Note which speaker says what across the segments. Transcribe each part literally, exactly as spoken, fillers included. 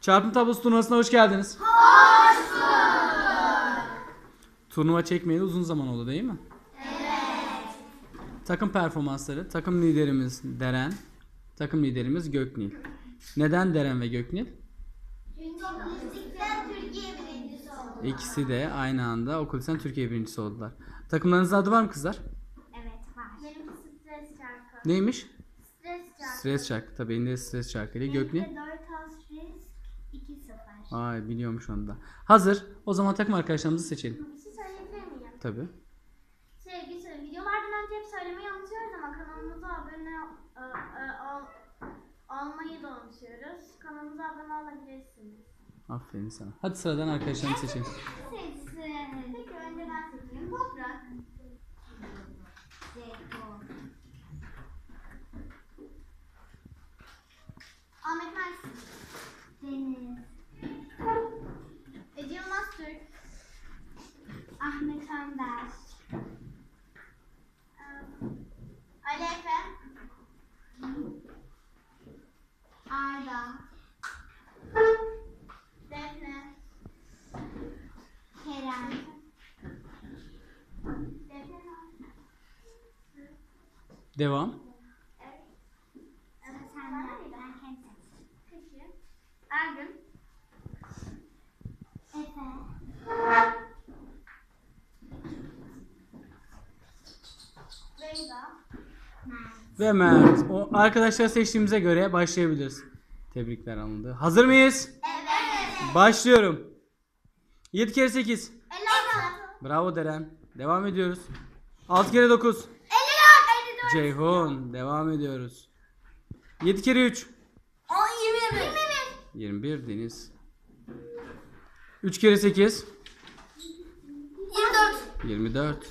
Speaker 1: Çarpım tablosu turnuvasına hoş geldiniz.
Speaker 2: Hoş bulduk.
Speaker 1: Turnuva çekmeyeli uzun zaman oldu değil mi?
Speaker 2: Evet.
Speaker 1: Takım performansları. Takım liderimiz Deren. Takım liderimiz Göknil. Neden Deren ve Göknil?
Speaker 2: Çünkü müzikten Türkiye birincisi oldu.
Speaker 1: İkisi de aynı anda Okul Lisesi'nden Türkiye birincisi oldular. Takımlarınızın adı var mı kızlar?
Speaker 2: Evet var. Benim stres şarkı.
Speaker 1: Neymiş?
Speaker 2: Stres şarkı.
Speaker 1: Stres şarkı. Tabii elinde stres şarkıyla. Göknil?
Speaker 2: dört asterisk iki sıfır.
Speaker 1: Ay biliyormuş onu da. Hazır. O zaman takım arkadaşlarımızı seçelim.
Speaker 2: Bir şey söyleyebilir miyim?
Speaker 1: Tabii.
Speaker 2: Şey, bir şey, videolardan önce hep söylemeyi unutuyoruz ama kanalımıza abone e, e, ol, olmayı da unutuyoruz. Kanalımıza abone olabilirsiniz.
Speaker 1: Aferin sana. Hadi sıradan arkadaşlarımızı seçelim.
Speaker 2: Seçsin. Peki önce ben seçeyim. Toprak. Ahmet Mersin. Deniz. Ece Yılmaz Türk. Ahmet Önder. Ali Efe. Arda. Defne. Kerem. Defne.
Speaker 1: Devam.
Speaker 2: Evet. Evet, sen de. Ben kendim. Peki. Ergün. Efe. Beyza. Mert.
Speaker 1: Ve Mert. O arkadaşlar seçtiğimize göre başlayabiliriz. Tebrikler alındı. Hazır mıyız?
Speaker 2: Evet.
Speaker 1: Başlıyorum. yedi kere sekiz.
Speaker 2: elli altı.
Speaker 1: Bravo Deren. Devam ediyoruz. altı kere dokuz.
Speaker 2: elli dört. elli dört.
Speaker 1: Ceyhun. Devam ediyoruz. yedi kere üç.
Speaker 2: on yirmi bir.
Speaker 1: yirmi bir Deniz. üç kere sekiz.
Speaker 2: yirmi dört.
Speaker 1: yirmi dört.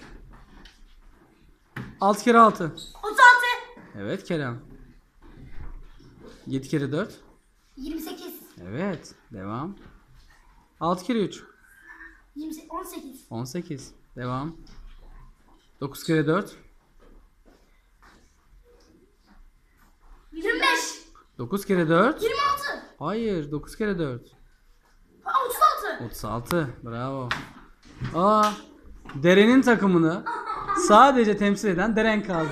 Speaker 1: altı kere altı.
Speaker 2: otuz altı.
Speaker 1: Evet Kerem. yedi kere dört.
Speaker 2: yirmi sekiz.
Speaker 1: Evet. Devam. altı kere üç.
Speaker 2: yirmi sekiz. on sekiz.
Speaker 1: on sekiz. Devam. dokuz kere dört.
Speaker 2: yirmi beş.
Speaker 1: dokuz kere dört.
Speaker 2: yirmi altı.
Speaker 1: Hayır. dokuz kere dört.
Speaker 2: otuz altı.
Speaker 1: otuz altı. Bravo. Aa, Deren'in takımını sadece temsil eden Deren kaldı.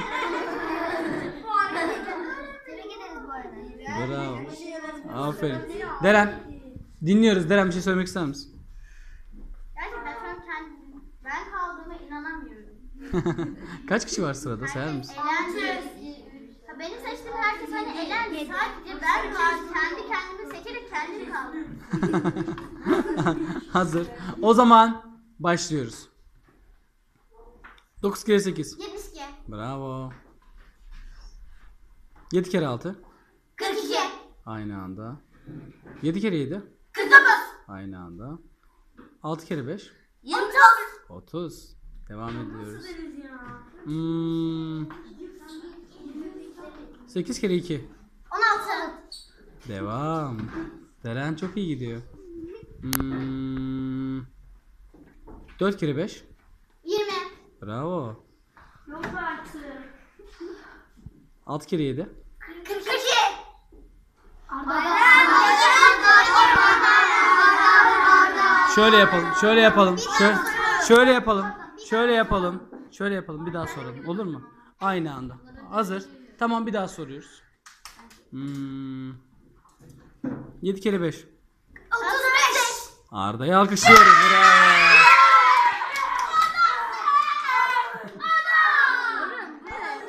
Speaker 2: Tebrik ederiz bu arada.
Speaker 1: Bravo. Aferin. Deren. Dinliyoruz. Deren bir şey söylemek ister misin?
Speaker 2: Gerçekten şu an kendim, ben kaldığıma inanamıyorum.
Speaker 1: Kaç kişi var sırada sayar mısın?
Speaker 2: Elendi. Ha, benim seçtiğim herkes hani elendi. Sadece ben kaldım. Kendi kendimi seçerek kendim kaldım.
Speaker 1: Hazır. O zaman başlıyoruz. dokuz kere sekiz.
Speaker 2: yetmiş iki.
Speaker 1: Bravo. yedi kere altı.
Speaker 2: kırk iki.
Speaker 1: Aynı anda. yedi kere yedi.
Speaker 2: kırk dokuz.
Speaker 1: Aynı anda. altı kere beş.
Speaker 2: yirmi dokuz.
Speaker 1: otuz. Devam ediyoruz. Hmm. sekiz kere iki.
Speaker 2: on altı.
Speaker 1: Devam. Deren çok iyi gidiyor. Hmm. dört kere beş.
Speaker 2: yirmi.
Speaker 1: Bravo.
Speaker 2: Yok artık.
Speaker 1: altı kere yedi.
Speaker 2: kırk iki.
Speaker 1: Şöyle yapalım. Şöyle yapalım. Şöyle, şöyle yapalım. Şöyle yapalım. Şöyle yapalım. Bir daha soralım. Olur mu? Aynı anda. Hazır. Tamam bir daha soruyoruz. Hmm. yedi kere beş.
Speaker 2: otuz beş.
Speaker 1: Arda'yı alkışlıyoruz. Bravo.